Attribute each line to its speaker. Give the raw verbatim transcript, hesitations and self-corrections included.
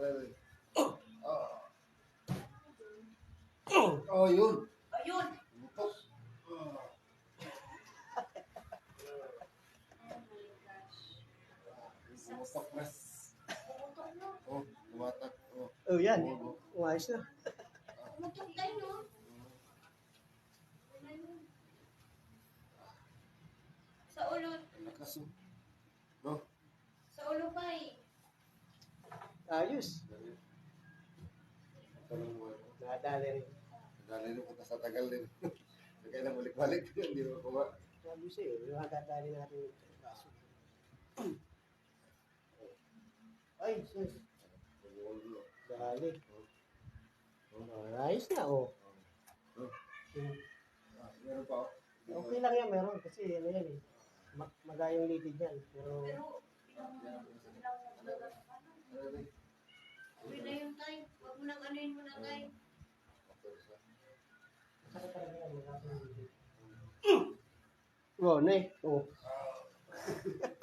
Speaker 1: Aray. Ah. Oh, yun.
Speaker 2: Ayun!
Speaker 1: Butok. Ah.
Speaker 2: Oh my gosh.
Speaker 1: Bumutok na.
Speaker 2: Pumutok no?
Speaker 1: Oh, tumatak. Oh.
Speaker 3: Oh, yan.
Speaker 1: Oh,
Speaker 3: Umayos na.
Speaker 2: Pumutok tayo no? Sa ulo.
Speaker 1: lakas oh. No?
Speaker 2: Sa ulo pa eh.
Speaker 3: Ayos.
Speaker 1: Tanong mo.
Speaker 3: Nadali rin.
Speaker 1: Dali rin punta sa tagal din. Kaya na balik-balik. Hindi mo kuha.
Speaker 3: Sabi sa'yo, yung nadali natin yung kaso. Ay, sus. Dali. Oh, ayos na, oh.
Speaker 1: Oh.
Speaker 3: Hmm.
Speaker 1: Ah, meron pa oh.
Speaker 3: Okay lang yan, meron. Kasi ano yan eh. Mag magayong litid yan. Pero,
Speaker 2: Pero, ilang ilang nagdagas pa na.
Speaker 1: Aray.
Speaker 2: Uwi na yun tayo. Huwag mo nang anuin mo na tayo.
Speaker 3: saka talaga yan, magayong litid. Oh, ne. Oh.